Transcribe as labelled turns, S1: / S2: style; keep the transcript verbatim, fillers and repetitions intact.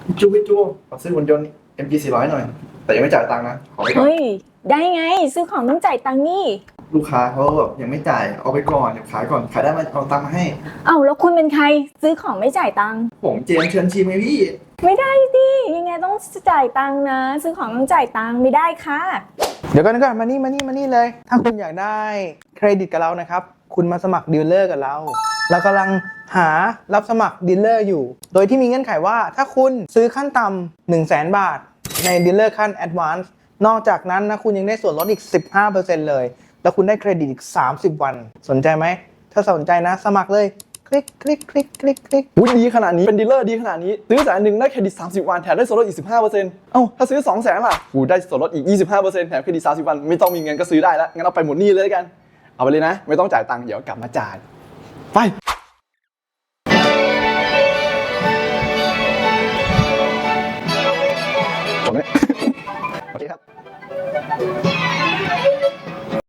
S1: พี่จูพี่จูขอซื้อหุ่นยนต์ เอ็ม จี สี่ร้อย หน่อย แต่ยังไม่จ่ายตังค์นะขอไปก่อน
S2: เฮ้ยได้ไงซื้อของต้องจ่ายตังค์นี่
S1: ลูกค้าเขาแบบยังไม่จ่ายเอาไปก่อนเดี๋ยวขายก่อนขายได้มาเอาตังค์มาให้
S2: เอ้าแล้วคุณเป็นใครซื้อของไม่จ่ายตังค์
S1: ผมเจมส์เชิญชิมไงพี่
S2: ไม่ได้ดิยังไงต้องจ่ายตังค์นะ ซื้อของต้องจ่ายตังค์ไม่ได้ค่ะ
S3: เดี๋ยวก่อนก่อนมานี่มานี่มานี่เลย ถ้าคุณอยากได้เครดิตกับเรานะครับ คุณมาสมัครดีลเลอร์กับเรา เรากำลังหารับสมัครดีลเลอร์อยู่ โดยที่มีเงื่อนไขว่าถ้าคุณซื้อขั้นต่ำหนึ่งแสนบาทในดีลเลอร์ขั้นแอดวานซ์นอกจากนั้นนะคุณยังได้ส่วนลดอีก สิบห้าเปอร์เซ็นต์ เลย แล้วคุณได้เครดิตอีก สามสิบ วัน สนใจไหม ถ้าสนใจนะสมัครเลย คลิกคลิกคลิกคลิกคลิก
S4: อุ้ยดีขนาดนี้เป็นดีลเลอร์ดีขนาดนี้ซื้อแสนหนึ่งได้เครดิตสามสิบวันแถมได้ส่วนลดอีก สิบห้าเปอร์เซ็นต์ เอ้าถ้าซื้อสองแสนล่ะกูได้ส่วนลดอีก ยี่สิบห้าเปอร์เซ็นต์ แถมเครดิตสามสิบวันไม่ต้องมีเงินก็ซื้อได้แล้วงั้นเอาไปหมดหนี้เลยแล้วกันเอาไปเลยนะไม่ต้องจ่ายตังค์เดี๋ยวกลับมาจ่ายไปจบไหม โอเคครับ